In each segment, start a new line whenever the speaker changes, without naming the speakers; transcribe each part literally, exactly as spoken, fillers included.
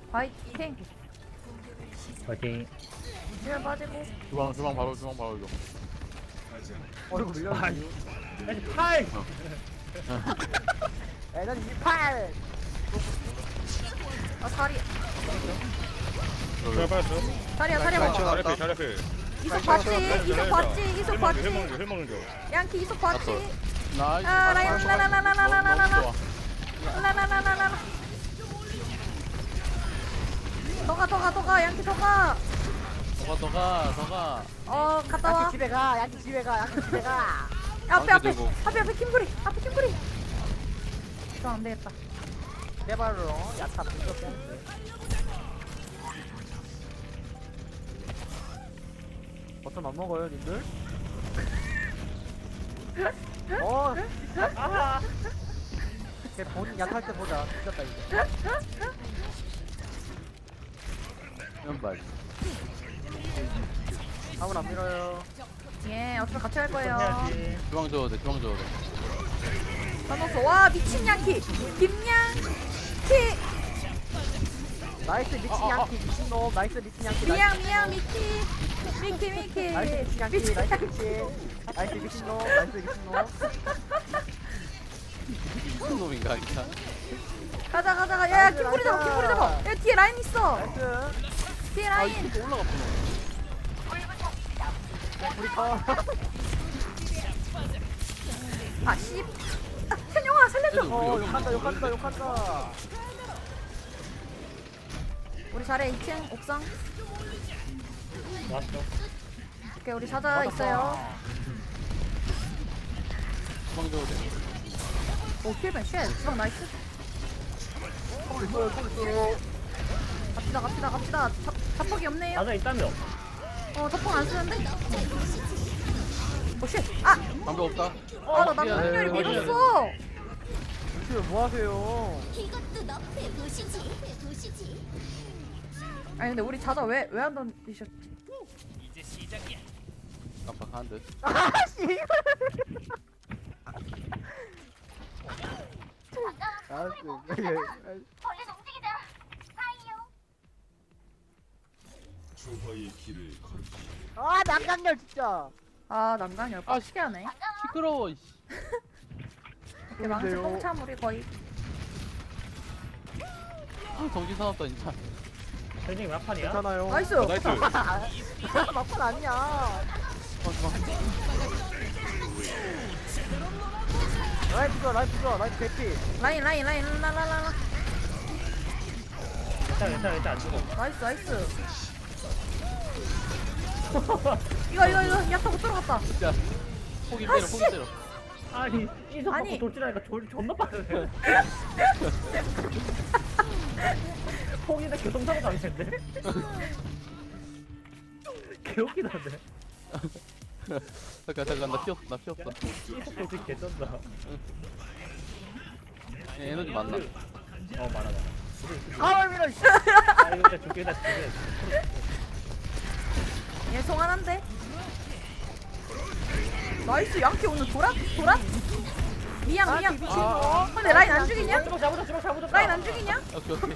화이팅.
파이팅.
힐 빠지고.
주방 주방 바로 주방 바로 이거.
어이구 밀려.
아니 팔.
에너지 이십팔.
아 다리.
잘 빠졌어.
다리야 다리야.
잘 앞에 잘 앞에.
이속 봤지? 이속 봤지? 이속 봤지?
회 먹는 거, 회 먹는 거.
양키 이속 봤지?
나이스.
아 라인 라라라라라라라라.
좋아.
라라라라라라. 더가 더가 더가 양키 더가.
더가 더가 더가.
어 갔다 와.
양키 집에 가. 양키 집에 가. 양키 집에 가.
앞에 앞에
들고.
앞에 앞에 킴브리 앞에 킴브리. 저 안 되겠다.
내 발로 야타 부족해. 어쩜 안 먹어요, 님들? 어, 아, 걔 본인 약할 때 보자. 뒤졌다 이제.
연발.
아무나 안 밀어요.
예 어차피 같이 갈 거예요.
해야지.
주방 줘도 돼 주방 줘도 돼.
나눴어. 와 미친 양키. 김양키.
나이스 미친 양키 미친 놈. 나이스 미친 양키.
미양 미양 미키. 미키 미키.
나이스 미친 양키.
미친
나이스
양키.
미친. 나이스 미친 놈. 나이스 미친 놈.
무슨 놈인가 진짜.
가자 가자 가자. 야야 킴브리 잡아 킴브리 잡아. 야 뒤에 라인 있어.
나이스.
뒤에
아
라인.
이거 올라갔구나.
우리 거.
아 씨. 아, 현영아 살려줘.
어, 욕한다 욕한다 욕한다.
우리 잘해 이 층 옥상.
왔어.
오케이 우리 사자 있어요.
주방 줘도 돼.
오 킬벤 쉣. 주방 나이스.
콜 있어요 콜 있어요.
갑시다 갑시다 갑시다. 자, 자폭이 없네요.
맞아 있다며.
어 자폭 안 쓰는데. 오 쉣. 아.
방법 없다.
아나 남편열이
미안해.
밀었어.
지금 뭐 하세요?
이것도 너의 도시지. 도시지.
아니 근데 우리 자자 왜 왜 안 던지셨지?
깜빡한 듯.
아씨. 알았어.
얼른 움직이자. 하이요.
아 남강렬 진짜.
아 난간열
아,
빡시게 하네.
시끄러워. 이씨.
이렇게 망치
좋은데요?
똥참 우리 거의.
아 정신 사납다 진짜.
현진이 몇 판이야?
괜찮아요.
나이스.
나이스.
막판 아니야.
어, 주방.
라인 부숴 라인 부숴 라인 개피.
라인 라인 라인 라라라라.
괜찮아 괜찮아 괜찮아 안 죽어.
나이스 나이스. 이거 이거 이거 야타 못 들어갔다.
진짜. 포기
아,
때려
씨.
포기 때려.
아니 이속
아니.
받고 돌진하니까 졸 존나 빠르네. 폭이나 교통사고 당했는데. 개웃기다는데.
잠깐 잠깐 나 피었어 나 피었어.
이속 돌진 개쩐다.
얘 에너지 많나?
어 많아 많아.
아 밀어. 씨.
아 이거 진짜 죽겠다 죽겠다.
얘 송환한데. 나이스 양키 오늘 돌아 돌아. 미양 미양.
미친 놈.
근데 라인 안 죽이냐?
주먹 잡아줘 주먹 잡아줘.
라인 안 죽이냐?
오케이 오케이.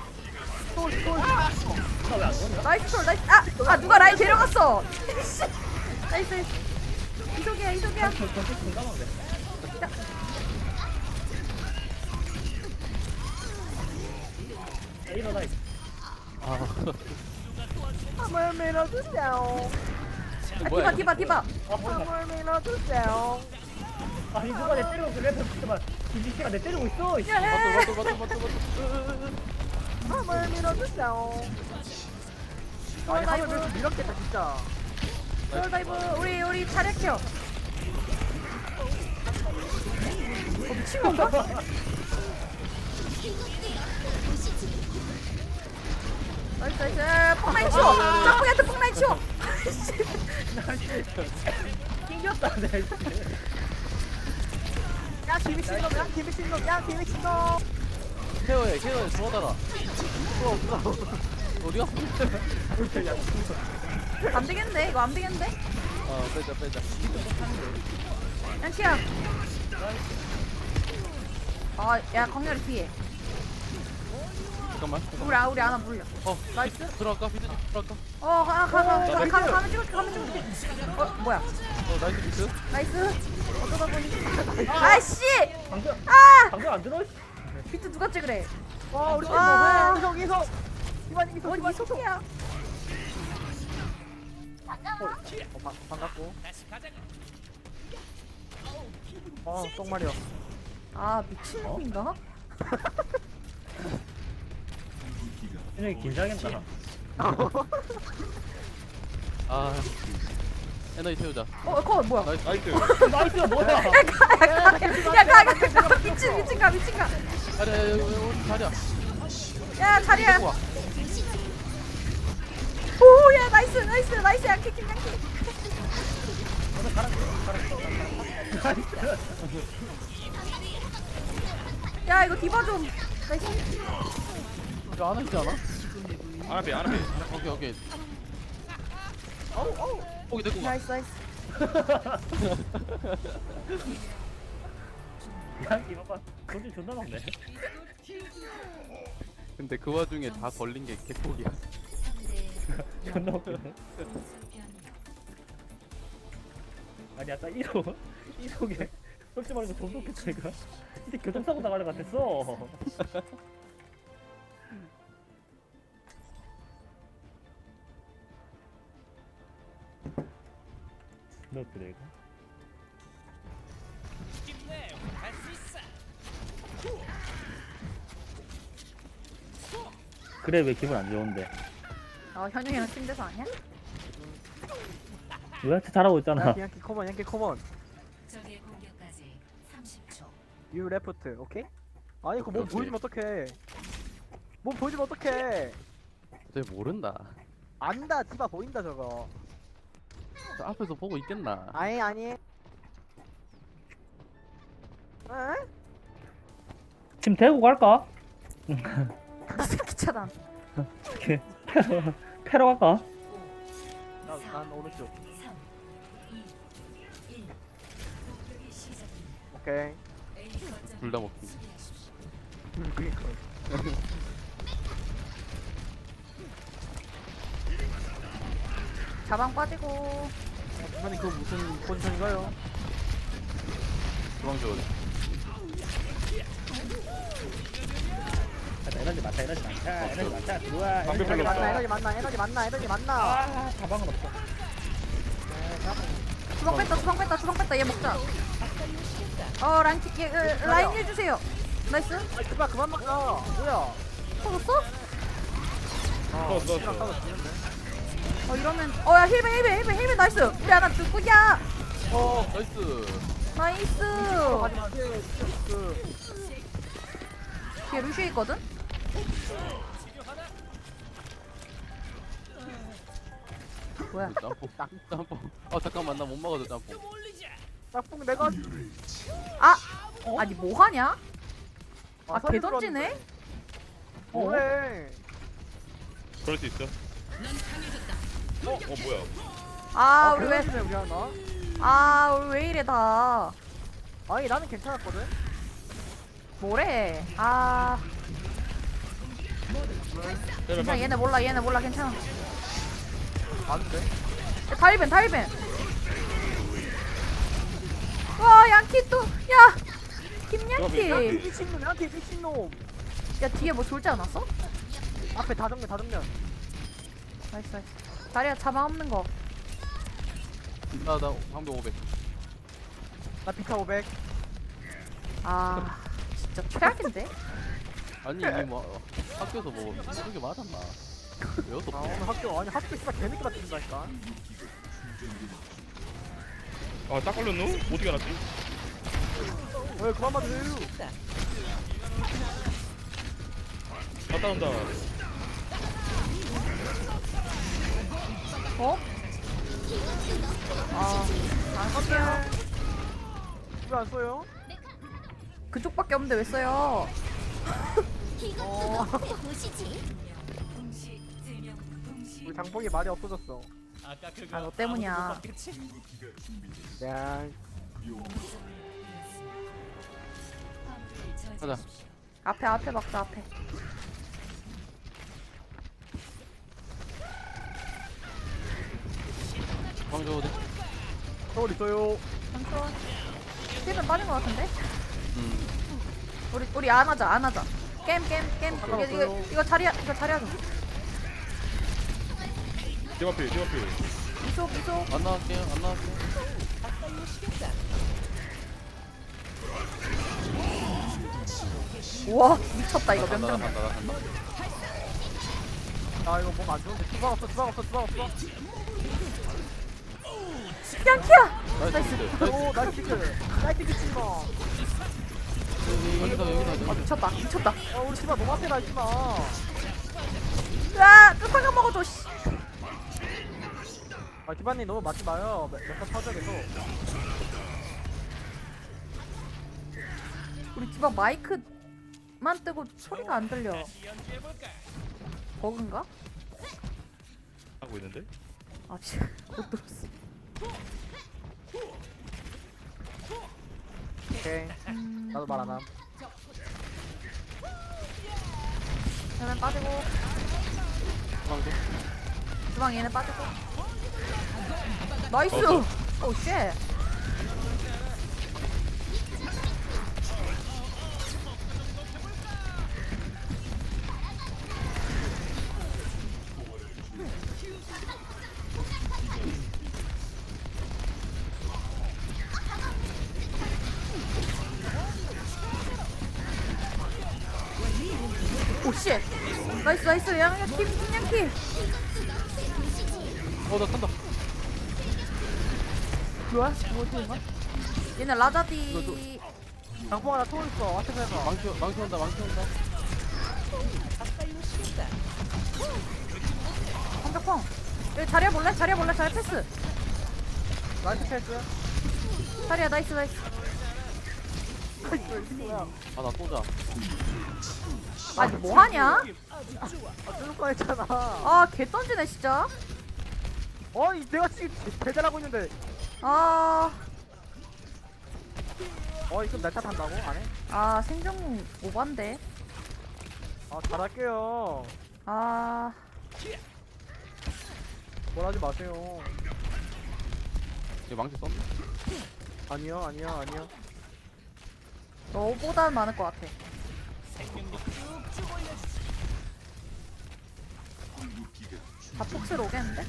나왜안 오냐?
나이스 톨 나이스. 아, 아 누가 라인 데려갔어. 씨. 나이스 나이스. 이속이야 이속이야.
저 저쪽 공감한데. 일어나.
아.
한번 밀어주세요.
아,
뭐야?
디바 디바 디바.
아 보인다.
한번 밀어주세요.
아니 누가 내 때리고 있어. 래퍼 잠깐만. 이 미씨가 내 때리고 있어. 이 씨.
야, 야,
맞다 맞다 맞다 맞다 맞다.
한번 밀어주세요. 아니 한번 밀어 밀었겠다 진짜.
톨 다이브 우리 우리 차렷켜. 어, 미친 건가? 나이스 나이스. 폭라인 치워. 짬뽕이한테 폭라인 치워.
낑겼다 내 씨.
야 김미친 놈, 야 김미친 놈, 야 김미친 놈.
케어해 케어해 도와달라.
없어 없어.
어디가?
안 되겠네. 이거 안 되겠는데?
어 빼자 빼자.
양치야. 아, 야, 광렬이 뒤에.
잠깐만.
우리 아 우리 하나 물려.
어,
나이스.
들어갈까? 비트 들어갈까?
어 하나 가가
나
가
나이스.
가 가면 찍을게 가면 찍을게. 어 뭐야?
어, 나이스 비트.
나이스. 어쩌다 보니. 아씨.
방금
아
방금 안 들어?
비트 누가 찍으래?
와 우리 팀
아.
뭐 이석 이석 이만 이석
뭔
이만
이속이야?
어, 바, 반갑고 어 똥말이야
아 미친놈인가?
얘네 긴장했다.
아, 에너지 태우자.
어거 뭐야?
나이스.
나이스.
나이스 뭐야?
야가가 미친 미친 가 미친 가.
자리야, 여기, 여기 자리야.
야 자리야.
우와.
오야 나이스 나이스 나이스 양캐 김 양캐. 야 이거 디바 좀. 나이스.
이거 하나 있지 않아?
아나비 아나비.
오케이, 오케이. 어우, 어우. 포기 됐고.
나이스 나이스.
야 이봐봐. 돈이 존나 많네.
근데 그 와중에 다 걸린 게 개폭이야.
존나 웃기네. 아니 아까 이속 이속에 솔직히 말해서 존나 웃겼어 이거. 이제 교통사고 나갈 것 같았어. 너 그래 이거? 그래 왜 기분 안 좋은데?
어 현영이랑 팀대서 아니야?
왜 잘하고 있잖아.
양키 양키 커먼 양키 커먼
적의 공격까지 삼십 초.
유 레프트 오케이? 아니 그거 몸
오케이.
보여주면 어떡해 몸 보여주면 어떡해
쟤 모른다.
안다 디바 보인다 저거
저 앞에서 보고 있겠나?
아니 아니 에?
지금 대구 갈까?
새끼 차단.
이렇게 패러 패러 갈까?
나, 난 오른쪽
삼, 이, 일. 공격이 시작됩니다.
오케이
A 거점
둘 다 먹기.
수비하십시오.
그니까
자방 빠지고.
아니 그거 무슨 포지션인가요?
주방 줘야 돼.
아, 에너지 많다 에너지 많다 에너지 많다 좋아.
방금
에너지
별로
많다.
없다.
에너지 만나 에너지 만나 에너지 만나
아 가방은 없어.
주방 뺐다 주방 뺐다 주방 뺐다 얘 먹자. 어 라인 키- 얘, 어, 라인 해주세요. 나이스.
아 그만 그만 막아 뭐야
터졌어?
어, 너,
시간
너.
따로 지는데
어 이러면 어야 힐벤 힐벤 힐벤 힐벤 나이스. 우리 하나 죽구야.
어, 나이스.
나이스.
하지마 그
뒤에 루시 있거든? 뭐야?
짬뽕. 짬뽕. 아, 잠깐만. 나 못 먹어도 짬뽕.
짝꿍 내가
아! 아니 뭐하냐? 아
서리
개 던지네?
뭐해
그럴 수 있어. 어, 어 뭐야?
아 우리 왜
왜 우리 하나
아 우리 왜 이래 다
아니 나는 괜찮았거든
뭐래 아 괜찮아 얘네 몰라 얘네 몰라 괜찮아
아는데
야, 다이벤 다이벤 와 양키 또야 김양키
미친놈 양키 미친놈
야 뒤에 뭐 졸지 않았어?
앞에 다 정면 다 정면
나이스 나이스 다리야 자방 없는 거
나, 나, 방금 오백.
나 비타 오백
아 진짜 최악인데?
아니, 이게 뭐, 학교에서 뭐, 이게 맞았나? 외웠어.
아 오늘 학교 아니 학교 씨발 개늦게 맞춘다니까
아, 딱 걸렸노? 어떻게 알았지?
왜 그만 맞으세요
갔다 온다.
어? 아안 쓸게요
왜 안 써요?
그쪽밖에 없는데 왜 써요?
이것도 너프에 보시지.
동시 세명 동시
우리 장봉이 말이 없어졌어
아 너 때문이야
야
가자.
앞에 앞에 막자 앞에
주방 줘도 돼?
서울 있어요.
잠시만. 힐은 빠진 것 같은데?
음.
우리 우리 안 하자 안 하자. 게임 게임 게임. 이거 이거 이거 자리야 이거 자리야 좀.
디마필 디마필.
이속 이속.
안 나갈게요. 안 나갈게요.
우와 미쳤다 이거
간다,
명장.
간다, 나 간다.
아 이거 뭔가 안 좋은데. 주방 없어 주방 없어 주방 없어.
양키야.
나이스. 나이스.
오 나이스 키크. 나이스 키크 치마.
여기다, 여기다,
아
여기다.
미쳤다 미쳤다.
아 우리 치마 너무 앞에 가 치마.
야 끝상가 먹어줘. 씨.
아 기반님 너무 맞지 마요. 몇번 터져 계속.
우리 집안 마이크만 뜨고 소리가 안 들려. 버그인가?
하고 있는데.
아 지금 못 들었어.
오케이. 나도 말 안 함.
얘는 빠지고
주방 줘.
주방 얘는 빠지고. 나이스. 오 쉣. 오 쉣. 나이스 나이스 양양키 양양키.
어, 나 탄다.
뭐야? 뭐지? 얘네 라자디.
장풍 하나 토 있어. 앞에서 해봐.
망치, 망치 온다, 망치 온다.
한벽펑. 여기 자리야 볼래? 자리야 볼래? 자리 패스.
나이스 패스.
자리야 나이스 나이스.
아, 나 쏘자.
아니 뭐하냐?
아 뚫을 뻔했잖아.
아 개 던지네 진짜.
어이 내가 지금 배달하고 있는데.
아,
어이 그럼 날 탓한다고? 안 해?
아 생존 오반데.
아 잘할게요.
아,
뭘 하지 마세요.
얘 망치 썼나?
아니요 아니요 아니요.
너보단 많을 것 같아. 다 폭스로 오겠는데?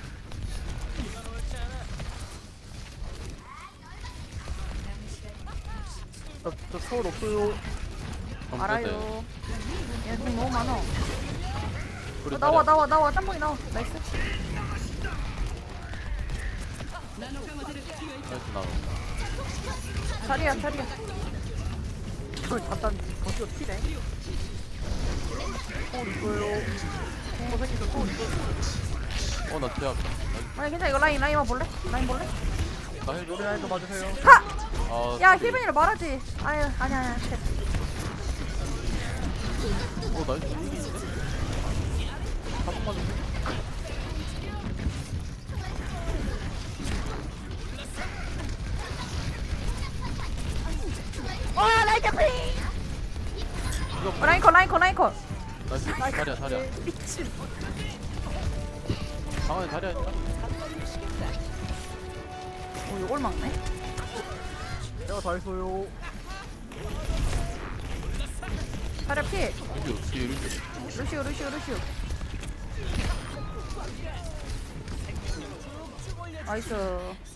저, 저 서울 없어요.
알아요. 얘돈 너무 많아.
우리
어, 나와
자리야.
나와 나와 짬뽕이 나와. 나이스.
나이스, 나와.
자리야 자리야.
이걸 잠깐 거기서 튀네. 서울 있어요. 어 생기서 서울 있어.
어, 나 제압.
아니 괜찮아 이거 라인 라인만 볼래? 라인 볼래?
나 헬 줘.
노래 라인도 봐주세요.
하!
아,
야
소리.
힐빈이라 말하지. 아유 아니야 아니야. 쉣.
어, 나이스. 이기는데? 한번 맞으면
어, 라인 컷 라인 컷 라인 컷.
나이스. 자리야, 자리야.
미친.
상황에 자리야 있다.
오 이걸 막네.
내가 다 했어요.
자리야 피.
루시오, 뒤에 루시오.
루시오 루시오 루시오. 나이스.